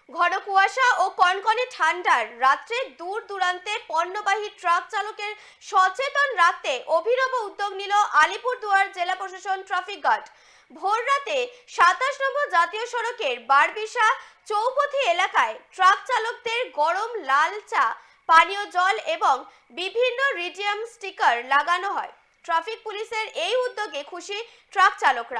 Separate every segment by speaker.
Speaker 1: ঘন কুয়াশা ও কনকনে ঠান্ডার রাত্রে দূর দূরান্তে পণ্যবাহী ট্রাক চালকের সচেতন রাখতে অভিনব উদ্যোগ নিল আলিপুরদুয়ার জেলা প্রশাসন ট্রাফিক গার্ড। ভোর রাতে ২৭ নম্বর জাতীয় সড়কের বারবিশা চৌপথি এলাকায় ট্রাক চালকদের গরম লাল চা, পানীয় জল এবং বিভিন্ন রিডিয়াম স্টিকার লাগানো হয়। ট্রাফিক পুলিশের এই উদ্যোগে খুশি ট্রাক চালকরা।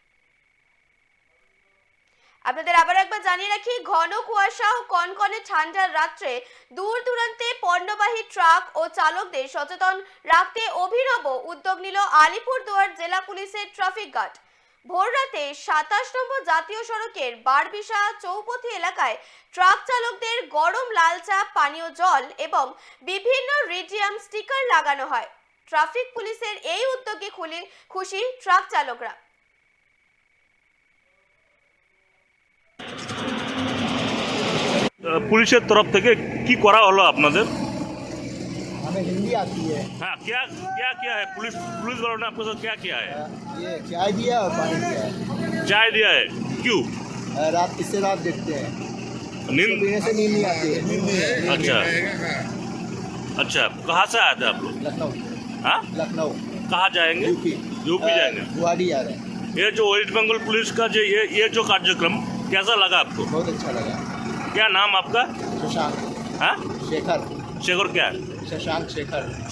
Speaker 1: আপনাদের আবার একবার জানিয়ে রাখি, ঘন কুয়াশা ও কনকনে ঠান্ডার রাত্রে দূর দূরান্তে পণ্যবাহী ট্রাক ও চালকদের সচেতন রাখতে অভিনব উদ্যোগ নিল আলিপুরদুয়ার জেলা পুলিশের ট্রাফিক গার্ড। ভোর রাতে ২৭ নম্বর জাতীয় সড়কের বারবিশা চৌপথি এলাকায় ট্রাক চালকদের গরম লাল চা, পানীয় জল এবং বিভিন্ন রিডিয়াম স্টিকার লাগানো হয়। ট্রাফিক পুলিশের এই উদ্যোগে খুশি ট্রাক চালকরা।
Speaker 2: পুলিশের তরফ থেকে কি করা হলো আপনাদের?
Speaker 3: हमें हिंदी आती है।
Speaker 2: हाँ, क्या क्या किया है पुलिस वालों ने आपके साथ क्या किया है?
Speaker 3: ये चाय दिया और पानी दिया है।
Speaker 2: चाय दिया है, क्यों?
Speaker 3: रात इससे रात देखते हैं,
Speaker 2: नींद?
Speaker 3: पीने से नींद नहीं आती है।
Speaker 2: अच्छा अच्छा, कहाँ से आए थे आप लोग?
Speaker 3: लखनऊ।
Speaker 2: हाँ,
Speaker 3: लखनऊ
Speaker 2: कहाँ जाएंगे? यूपी जाएंगे।
Speaker 3: गुवाहाटी आ रहे हैं।
Speaker 2: ये जो वेस्ट बंगाल पुलिस का जो ये जो कार्यक्रम कैसा लगा आपको?
Speaker 3: बहुत अच्छा लगा।
Speaker 2: क्या नाम आपका?
Speaker 3: शशांक
Speaker 2: हाँ,
Speaker 3: शेखर।
Speaker 2: शेखर क्या है?
Speaker 3: शशांक शेखर।